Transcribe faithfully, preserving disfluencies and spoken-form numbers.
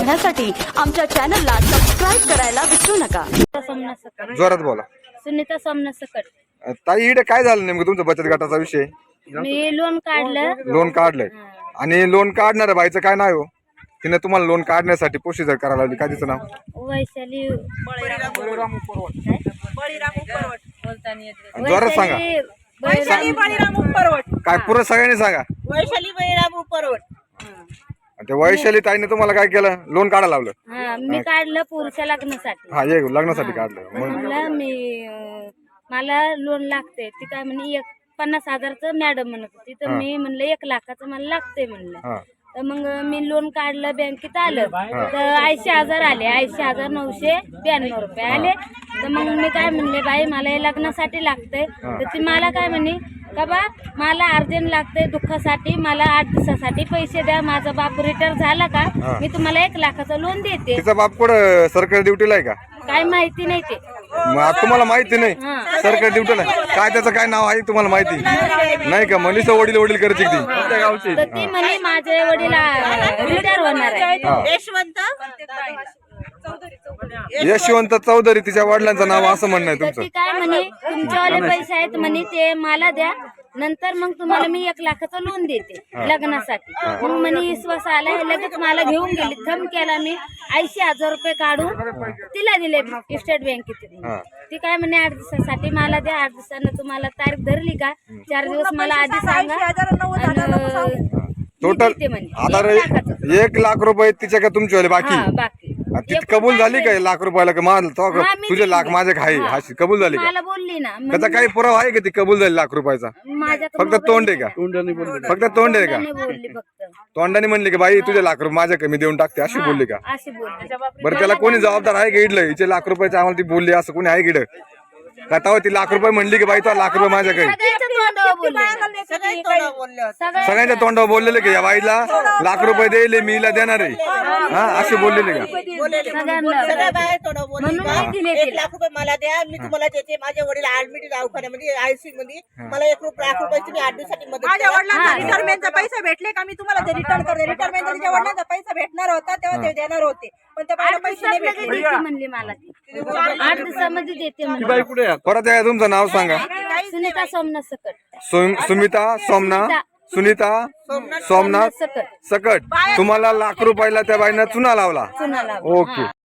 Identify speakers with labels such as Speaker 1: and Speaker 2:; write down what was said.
Speaker 1: पाहण्यासाठी आमच्या चॅनलला सबस्क्राईब करायला विसरू नका।
Speaker 2: जोरात बोला।
Speaker 3: सुनीता सोमनाथ सकट।
Speaker 2: ताई इकडे काय झालं नेमकं तुमचा बचत गटाचा विषय?
Speaker 3: मी लोन काढलं।
Speaker 2: लोन काढलंय आणि लोन काढणाऱ्या बाईचं काय नाव हो? तिने तुम्हाला लोन काढण्यासाठी प्रोसिजर करायला लावली, काय तिचं नाव?
Speaker 3: वैशाली
Speaker 2: जोरात सांगा।
Speaker 4: वैशाली बळीराम उपरवट।
Speaker 2: काय पुरं सगळ्यांनी सांगा।
Speaker 4: वैशाली बळीराम उपरवट।
Speaker 2: ते वैशाली ताईने तुम्हाला काय केलं? लोन काढायला लावलं?
Speaker 3: हा, मी काढलं पुरुषा लग्नासाठी।
Speaker 2: हा, ये लग्नासाठी काढलं। मग
Speaker 3: म्हणलं मी अं, मला लोन लागते। ती काय म्हणे एक पन्नास हजारचं मॅडम म्हणत होती, तर मी म्हणलं एक लाखाचं मला लागते म्हणलं।
Speaker 2: हा
Speaker 3: तर मग मी लोन काढलं, बँकेत आलं तर ऐंशी हजार आले, ऐंशी हजार नऊशे ब्याण्णव रुपये आले। तर मग मी काय म्हणले, बाई मला हे लग्नासाठी लागतंय। तर ती मला काय म्हणे का बा मला अर्जंट लागतंय दुःखासाठी, मला आठ दिवसासाठी पैसे द्या, माझा बाप रिटायर झाला का मी तुम्हाला एक लाखाचं लोन देते।
Speaker 2: तिचा बाप कुठं सरकारी ड्युटीला आहे का?
Speaker 3: काय माहिती नाही ते।
Speaker 2: मग तुम्हाला माहिती नाही सरकारी ड्युटीला काय त्याचं काय नाव आहे तुम्हाला माहिती नाही का? मनीषा वडील वडील करते ती गावची।
Speaker 3: तर ती म्हणे माझे वडील रिटायर होणार आहे।
Speaker 4: यशवंत
Speaker 2: यशवंत चौधरी तिच्या वडिलांचं नाव असं म्हणणं आहे
Speaker 3: तर
Speaker 2: तुमचं?
Speaker 3: ती काय म्हणे तुमच्यावाले पैसे आहेत म्हणे ते मला द्या, नंतर मग तुम्हाला मी एक लाखाचं लोन देते लग्नासाठी। मग म्हणे विश्वास आला, लगेच मला घेऊन गेली, थंब केला, मी ऐंशी हजार रुपये काढून तिला दिले स्टेट बँकेतून। ती काय म्हणे आठ दिवसासाठी मला द्या, आठ दिवसानं तुम्हाला तारीख धरली का चार दिवस मला आधी सांगा
Speaker 2: टोटल आता एक लाख रुपये तिच्या का तुमच्यावाले बाकी?
Speaker 3: बाकी
Speaker 2: ती कबूल झाली का लाख रुपयाला का माल तुझे लाख माझे आहे हाशी कबूल झाली का?
Speaker 3: मला बोलली ना,
Speaker 2: त्याचा काही पुरावा आहे का ती कबूल झाली लाख रुपयाचा? फक्त तोंड आहे का? फक्त तोंड आहे का?
Speaker 3: बोलली फक्त
Speaker 2: तोंडाने म्हणली की बाई तुझे लाख रुपये माझ्या कमी देऊन टाकते अशी बोलली का?
Speaker 3: अशी बोलली।
Speaker 2: बरं त्याला कोणी जबाबदार आहे का इडलं हिचे लाख रुपयाचे आम्हाला ती बोलली असं कोणी आहे इकडं का? तेव्हा ती लाख रुपये म्हणली की बाई तो लाख रुपये माझ्याकडे? सगळ्यांच्या तोंडावर बोललेले की या बाईला लाख रुपये देईल मी हिला देणार आहे हा असे बोललेले का?
Speaker 4: सगळ्या बाया थोडं बोलली का एक लाख रुपये मला द्या, मी तुम्हाला देते। माझे वडील ऍडमिट दवाखान्यामध्ये आयसीयू मध्ये, मला एक लाख रुपये तुम्ही आठ दिवसाची मदत करा।
Speaker 5: माझ्या वडिलांना रिटायरमेंटचा पैसा भेटले का मी तुम्हाला ते रिटर्न करते। रिटायरमेंटचा तिच्या वडिलांचा पैसा भेटणार होता तेव्हा ते देणार होते, पण त्या बाईला पैसे नाही भेटले
Speaker 3: म्हणली मला ती आठ दिवसामध्ये देते म्हणली।
Speaker 2: परत या तुमचं नाव सांगा।
Speaker 3: सुनीता सोमनाथ सकट।
Speaker 2: सु- सुमिता सोमनाथ सुनीता सोमनाथ सकट। तुम्हाला लाख रुपयाला त्या बाईनं चुना लावला?
Speaker 3: चुना लावला।
Speaker 2: ओके।